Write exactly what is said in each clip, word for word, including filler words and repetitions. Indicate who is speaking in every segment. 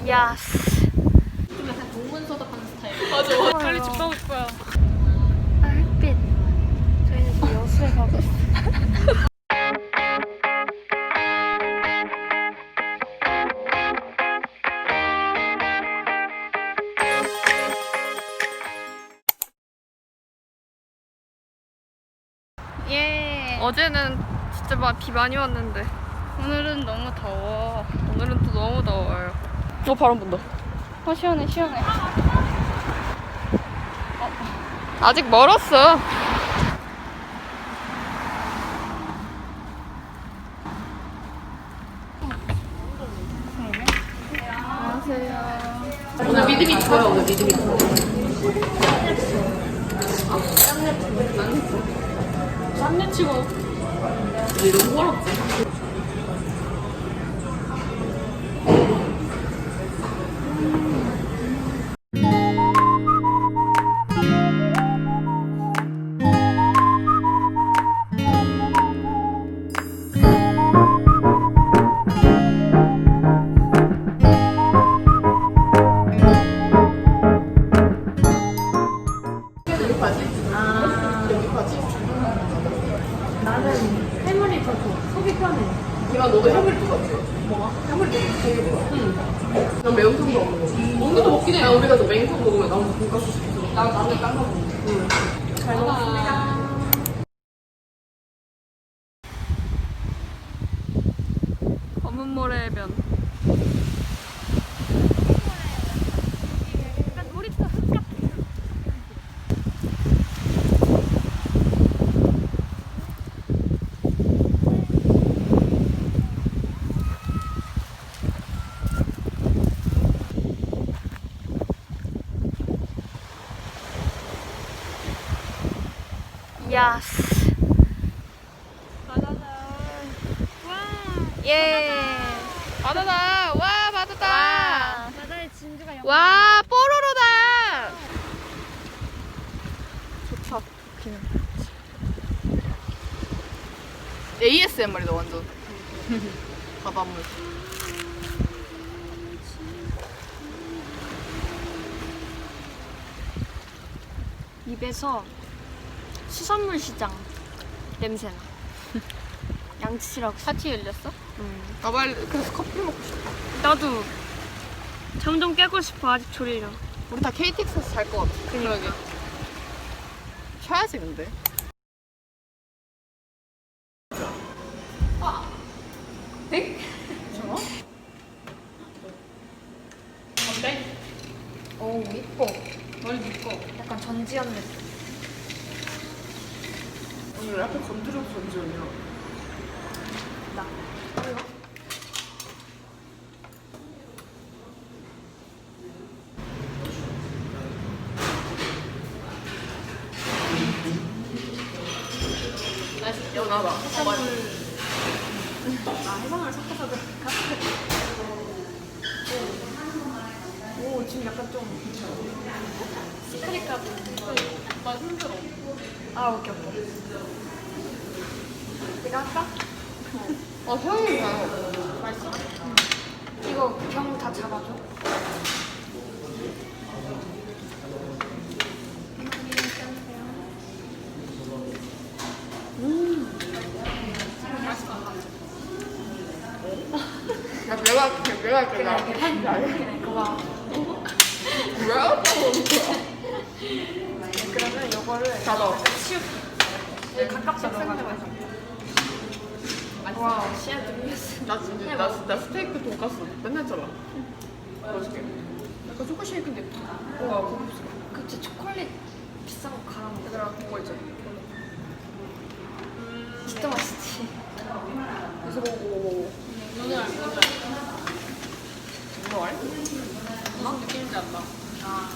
Speaker 1: 야스.
Speaker 2: 좀 약간 동문서답하는 스타일.
Speaker 1: 맞아.
Speaker 2: 빨리 집 가고 싶어요.
Speaker 1: 아, 햇빛. 저희는 지금 여수에 가고 있어.
Speaker 2: 예.
Speaker 1: 어제는 진짜 막 비 많이 왔는데
Speaker 2: 오늘은 너무 더워.
Speaker 1: 오늘은 또 너무 더워요. 어, 바람 분다.
Speaker 2: 어, 시원해, 시원해.
Speaker 1: 아직 멀었어.
Speaker 2: 오늘 믿음이 좋아요, 오늘 믿음이 좋아요. 쌈내 치고. 이거 너무 어렵지?
Speaker 3: 걔가 너도 해물이 똑같지? 뭐가? 해물이 되게 좋아. 응. 난 매운탕도 안 먹어. 먹는 거 먹긴 해. 야, 우리가 저 매운탕 먹으면 나 혼자 돈가스 시켰어. 나 나는 딴거 먹어. 응. 잘 먹었습니다.
Speaker 1: 검은 모래변.
Speaker 2: 약간 놀이터 흙 같아.
Speaker 1: 야스.
Speaker 2: 바다다. 와.
Speaker 1: 예. 바다다. 와, 바다다.
Speaker 2: 바다의 진주가 영.
Speaker 1: 와, 뽀로로다. 좋다. 좋기는.
Speaker 3: 에이에스엠알이다 완전. 바닷물.
Speaker 1: 입에서 수산물 시장 냄새나. 양치라고.
Speaker 2: 사치 열렸어?
Speaker 1: 응.
Speaker 3: 나 빨리 그래서 커피 먹고 싶어.
Speaker 1: 나도 잠 좀 깨고 싶어. 아직 졸려.
Speaker 3: 우리 다 케이티엑스에서 잘 것 같아. 그러게. 쉬어야지 근데.
Speaker 2: 백? 저거? 어때?
Speaker 1: 오, 이뻐.
Speaker 2: 머리 묶어.
Speaker 1: 약간 전지현 느낌.
Speaker 3: 오늘 약간 건드려서 전지현이야.
Speaker 1: 나.
Speaker 2: 맛있
Speaker 3: 연하다.
Speaker 2: 해산물.
Speaker 1: 아, 해산물 섞어서 그럴까? 오, 지금 약간 좀
Speaker 2: 시크릿 가루. 맛 힘들어.
Speaker 1: 아, 오케이, 오케이. 내가 할까?
Speaker 3: 아 향이 나요.
Speaker 2: 맛있어?
Speaker 1: 이거 병 다 잡아줘.
Speaker 3: 야 내가 할게. 내가 할게. 나.
Speaker 1: 그래, 고마워.
Speaker 3: 왜 아까워?
Speaker 1: 그러면 이거를
Speaker 3: 잡아.
Speaker 1: 치울게. 여기 가깝게 넣어가지고. 와, 씨앗 들렸어.
Speaker 3: 나 진짜 나, 나 스테이크 돈가스 맨날 잡아. 맛있게. 약간 초코 쉐이크 느낌. 우와 고급스러워.
Speaker 1: 그치, 초콜릿 비싼 거 갈아 먹어.
Speaker 3: 얘들아 그거 있잖아.
Speaker 1: 진짜 맛있지.
Speaker 3: 그래서 오오오.
Speaker 2: 눈을 알, 눈을 알.
Speaker 3: 이거 알?
Speaker 2: 무슨 느낌인지 안다.
Speaker 1: 아,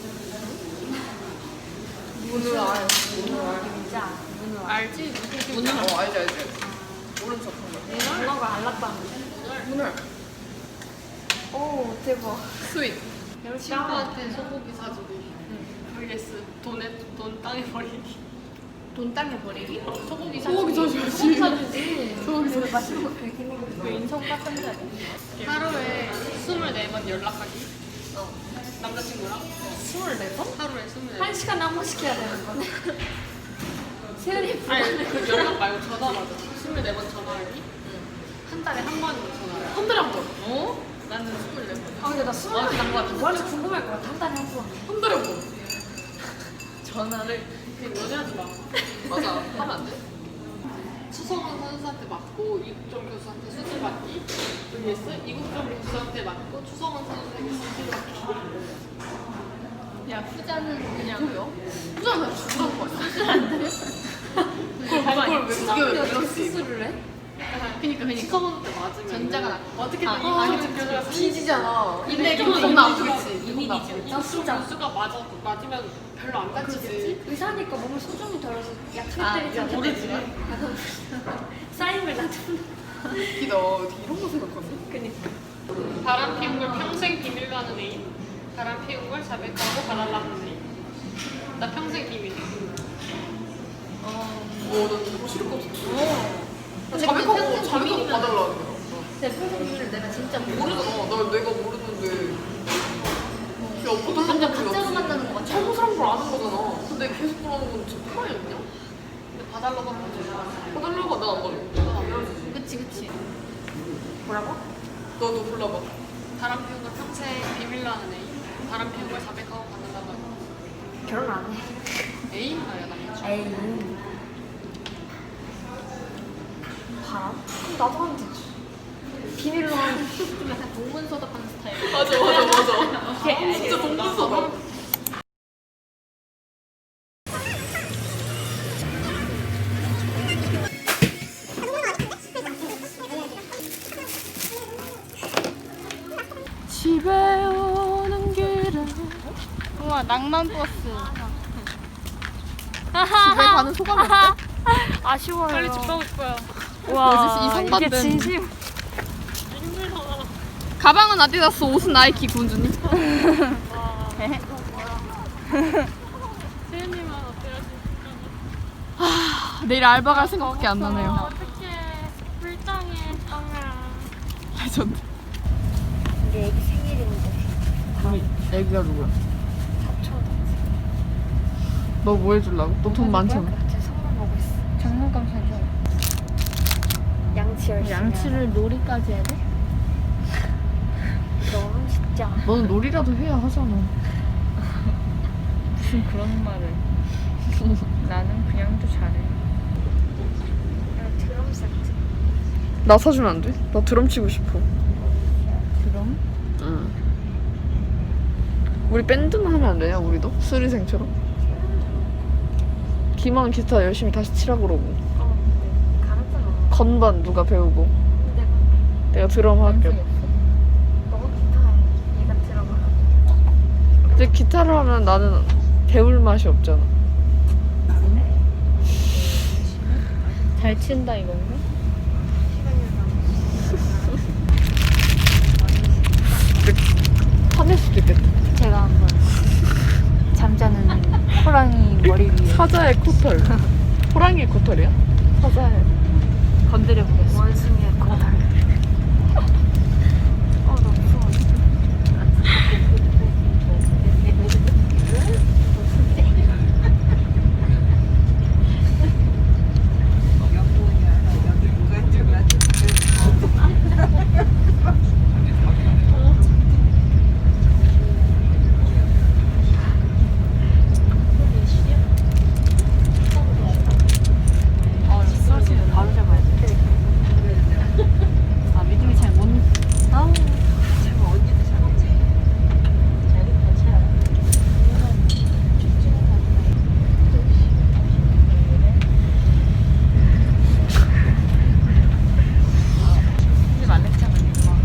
Speaker 3: 문을 알. 문을 알.
Speaker 1: 진짜 문어.
Speaker 2: 알지?
Speaker 3: 문을 알. 어 알지 알지. 모른 척한 거.
Speaker 1: 문어가 알랐다는
Speaker 3: 문을.
Speaker 1: 거. 오, 대박.
Speaker 3: 스윗.
Speaker 2: 친구한테 소고기 사주기. vs 돈에 돈 땅에 버리기.
Speaker 1: 돈 땅에 버리기?
Speaker 2: 소고기 사주기.
Speaker 3: 소고기 사줘야지.
Speaker 2: 소고기 사주지.
Speaker 3: 소고기
Speaker 1: 오늘 맛있는 거 베끼는 거.
Speaker 2: 그 인성 깎은 자리. 하루에 스물네 번 번 연락하기. 어. 남자친구랑
Speaker 1: 스물네 번?
Speaker 2: 하루에 스물네
Speaker 1: 한
Speaker 2: 번.
Speaker 1: 시간에 한 번씩 해야 되는 거네. 세연이
Speaker 2: 아니 그 연락 말고 전화 맞아. 스물네 번 전화하기. 한 달에 한 번 전화를.
Speaker 3: 한 달에 한 번.
Speaker 2: 어? 나는 스물네 번.
Speaker 1: 아 근데 나 스물 번이 난거 같아. 뭐할지 궁금할 것 같아. 한 달에 한 번.
Speaker 3: 한 달에 한 번.
Speaker 2: 전화를 그냥 연애하지 마.
Speaker 3: 맞아. 하면 안 돼?
Speaker 2: 추성원 선수한테 맞고 이국종 교수한테 수술 받기 vs 이국종 교수한테 맞고 추성원 선수에게 수술 받기.
Speaker 1: 야 후자는 그냥
Speaker 3: 뭐야? 후자는 다 죽으라는 거 아니야?
Speaker 1: 안 돼.
Speaker 3: 그걸 그걸 왜 그게 왜
Speaker 1: 어떻게
Speaker 3: 밀었지?
Speaker 1: 수술을 해?
Speaker 2: 그니까 그니까 추성원한테 맞으면
Speaker 1: 전자가 나.
Speaker 2: 어떻게든
Speaker 1: 아,
Speaker 2: 아,
Speaker 1: 아,
Speaker 2: 이국종 교수가
Speaker 3: 피지잖아.
Speaker 2: 근데
Speaker 3: 기분
Speaker 2: 이국종
Speaker 3: 나쁘겠지. 기분
Speaker 1: 이민이지.
Speaker 3: 나쁘겠지.
Speaker 2: 이국종 교수가 맞아 맞으면 별로 안 다치지.
Speaker 1: 의사니까 몸을 소중히 덜어서 약하게
Speaker 2: 아,
Speaker 1: 때리지
Speaker 2: 모르지.
Speaker 1: 않겠지만 사인을 놔둔다.
Speaker 3: 웃기다. 어떻게 이런 거 생각하지?
Speaker 1: 그니까.
Speaker 2: 바람 피운 걸 평생 비밀로 하는 애인. 바람 피운 걸 자백하고 봐달라 하는 애인. 나 평생 비밀.
Speaker 3: 어, 나 너무 싫을 것 같아.
Speaker 1: 어. 근데
Speaker 3: 자백하고,
Speaker 1: 평생
Speaker 3: 자백하고
Speaker 1: 비밀이면
Speaker 3: 봐달라는 거야.
Speaker 1: 내 평생 비밀을 내가 진짜 모르.
Speaker 3: 모르잖아. 나 내가 모르는데. 야, 어떤
Speaker 1: 완전
Speaker 3: 사람들이
Speaker 1: 가짜로
Speaker 3: 없지.
Speaker 1: 만나는 거 같아.
Speaker 3: 잘못 사람 걸 아는 거잖아. 근데 계속 그러는 건 진짜 토라이 아니냐?
Speaker 2: 근데 봐달라고 하면 되잖아.
Speaker 3: 봐달라고 하면 난안 봐줘.
Speaker 1: 그치 그치. 뭐라고?
Speaker 3: 너도 골라봐.
Speaker 2: 바람 피운 걸 평생 비밀로 하는 애인. 바람 피운 걸 자백하고 받는다고 하는
Speaker 1: 결혼 안 해.
Speaker 2: 애인? 아야 남자친구.
Speaker 1: 에이. 바람? 그럼 나도 하면 되지. 비밀로 하면 좀 약간 동문서답하는 스타일.
Speaker 3: 맞아, 맞아, 맞아.
Speaker 1: 오케이,
Speaker 3: 진짜 동문서다.
Speaker 2: 집에 오는 길에.
Speaker 1: 우와 낭만 버스.
Speaker 3: 집에 가는 소감이 어때?
Speaker 1: 아쉬워요.
Speaker 2: 빨리 집 가고 싶어요.
Speaker 1: 와
Speaker 3: 뭐지, 이 선반된.
Speaker 1: 이게 진심.
Speaker 2: 힘들다.
Speaker 3: 가방은 아디다스, 옷은 나이키, 군주님.
Speaker 2: 세연님은 어때요?
Speaker 3: 내일 알바 갈 생각밖에 안 나네요.
Speaker 2: 어떡해. 불쌍해. 똥아.
Speaker 3: 레전드.
Speaker 1: 우리 애기 생일인데.
Speaker 3: 애기가 누구야?
Speaker 1: 사촌.
Speaker 3: 너 뭐 해주려고? 너 돈 많잖아.
Speaker 1: 제 선물 보고 있어.
Speaker 4: 장난감 사줘.
Speaker 1: 양치 열심히.
Speaker 4: 양치를 놀이까지 해야 돼?
Speaker 1: 너는 진짜.
Speaker 3: 너는 놀이라도 해야 하잖아.
Speaker 4: 무슨 그런 말을. 나는 그냥도 잘해.
Speaker 1: 야, 드럼 세트.
Speaker 3: 나 사주면 안 돼? 나 드럼 치고 싶어.
Speaker 4: 그럼?
Speaker 3: 응. 우리 밴드만 하면 안 되냐? 우리도? 수리생처럼? 기만 기타 열심히 다시 치라고 그러고.
Speaker 1: 어, 근데 가르쳐줘.
Speaker 3: 건반 누가 배우고.
Speaker 1: 내가
Speaker 3: 내가 드럼 할게.
Speaker 1: 너가 기타해. 얘가 들어가.
Speaker 3: 근데 기타를 하면 나는 배울 맛이 없잖아.
Speaker 4: 잘 친다 이건가?
Speaker 3: 화낼 수도 있겠다.
Speaker 4: 제가 한번 잠자는 호랑이 머리 위에
Speaker 3: 사자의 코털. 호랑이의 코털이야? 사자의.
Speaker 4: 건드려 보겠어.
Speaker 1: 원숭이의 고달. 어, 나 무서워.
Speaker 4: 어, 사실 바로 잡아야 돼. 아, 믿음이 잘 못. 아우. 제가 언니도 잡았지. 잘 괜찮아. 근데 말랬잖아, 엄마.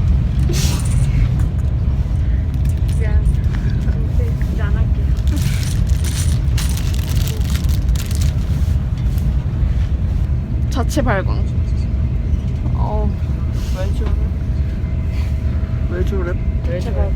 Speaker 1: 미안. 근데 이제 안 할게요.
Speaker 3: 자체 발광. 어,
Speaker 4: 왜 저래?
Speaker 3: 왜 저래?
Speaker 4: 왜 저래?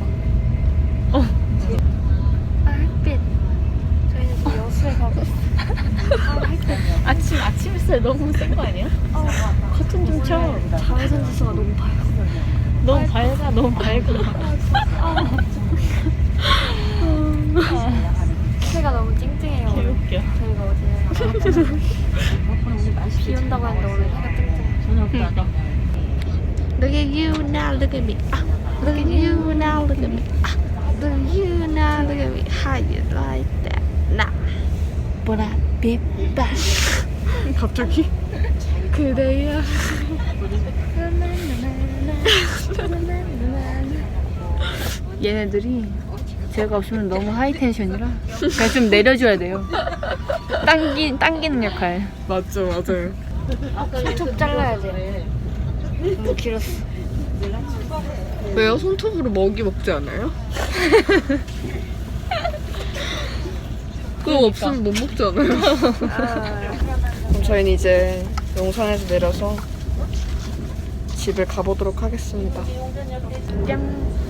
Speaker 1: 아, 햇빛. 저희는 지금 여수에 가고 있어. 아, 햇빛.
Speaker 4: 아침 아침 햇살 너무 센 거 아니야? 커튼 좀 쳐.
Speaker 1: 자외선 지수가 너무 밝아.
Speaker 4: 너무 밝아, 너무 밝아.
Speaker 1: 해가 너무 찡찡해요. 오늘.
Speaker 4: 웃겨.
Speaker 1: 저희가 어제 비 온다고 했는데 오늘 해가 찡찡해.
Speaker 3: Look at you now, look at me. Ah, look at you now, look at me. Ah, look at you now, look at me. How you like that? Nah, but I be back. 갑자기? 그대야.
Speaker 4: 얘네들이 제가 없으면 너무 하이텐션이라 그냥 좀 내려줘야 돼요. 당기, 당기는 역할.
Speaker 3: 맞죠, 맞아요.
Speaker 1: 툭 잘라야지. 너무 길었어.
Speaker 3: 왜요? 손톱으로 먹이 먹지 않아요? 그거 없으면 못 먹지 않아요? 그럼 저희는 이제 용산에서 내려서 집을 가보도록 하겠습니다.
Speaker 4: 짠.